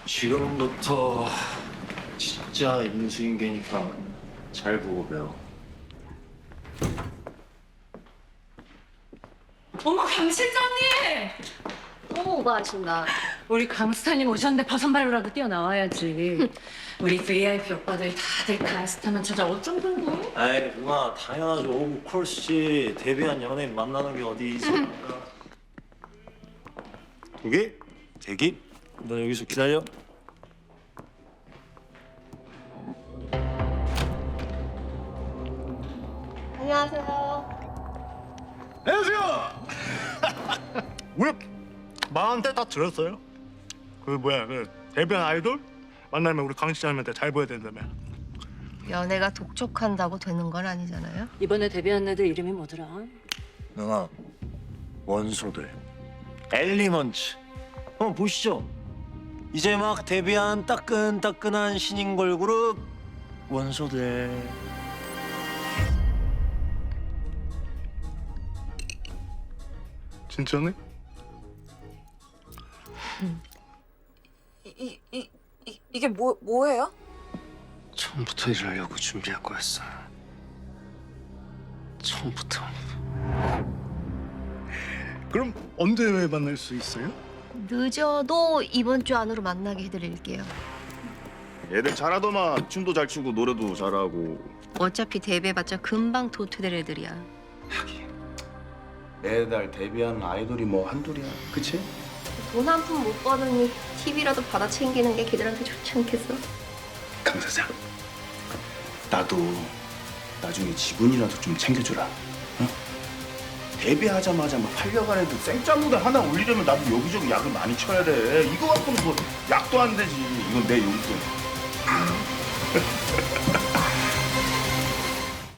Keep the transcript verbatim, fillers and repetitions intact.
지금부터 진짜 인수인계니까 잘 보고 배워. 어머 강 실장님! 어머, 오가 하신다. 우리 강스타님 오셨는데 버선발로라도 뛰어나와야지. 우리 브이아이피 오빠들 다들 강스타만 찾아 어쩜 그런 거? 아이 누나 당연하죠. 오브 콜스지. 데뷔한 연예인 만나는 게 어디 있습니까? 여기 대기. 너 여기서 기다려. 안녕하세요. 안녕하세요. 왜 마흔대 다 들었어요? 그 뭐야 그 데뷔한 아이돌 만나면 우리 강 시장님한테 잘 보여야 된다며. 연애가 독촉한다고 되는 건 아니잖아요. 이번에 데뷔한 애들 이름이 뭐더라? 누나 원소들 엘리먼츠 한번 보시죠. 이제 막 데뷔한 따끈따끈한 신인 걸그룹 원소들. 진짜네? 이, 이, 이, 이게 뭐, 뭐예요? 처음부터 이러려고 준비할 거였어. 처음부터. 그럼 언제 만날 수 있어요? 늦어도 이번 주 안으로 만나게 해드릴게요. 애들 잘하더만. 춤도 잘 추고 노래도 잘하고. 어차피 데뷔해봤자 금방 도태될 애들이야. 매달 데뷔하는 아이돌이 뭐 한둘이야. 그치? 돈 한 푼 못 버느니 티비라도 받아 챙기는 게 걔들한테 좋지 않겠어? 강 사장, 나도 나중에 지분이라도 좀 챙겨줘라. 어? 데뷔하자마자 막 팔려간 애들 생짜무대 하나 올리려면 나도 여기저기 약을 많이 쳐야 돼. 이거 갖고는 뭐 약도 안 되지. 이건 내 용돈.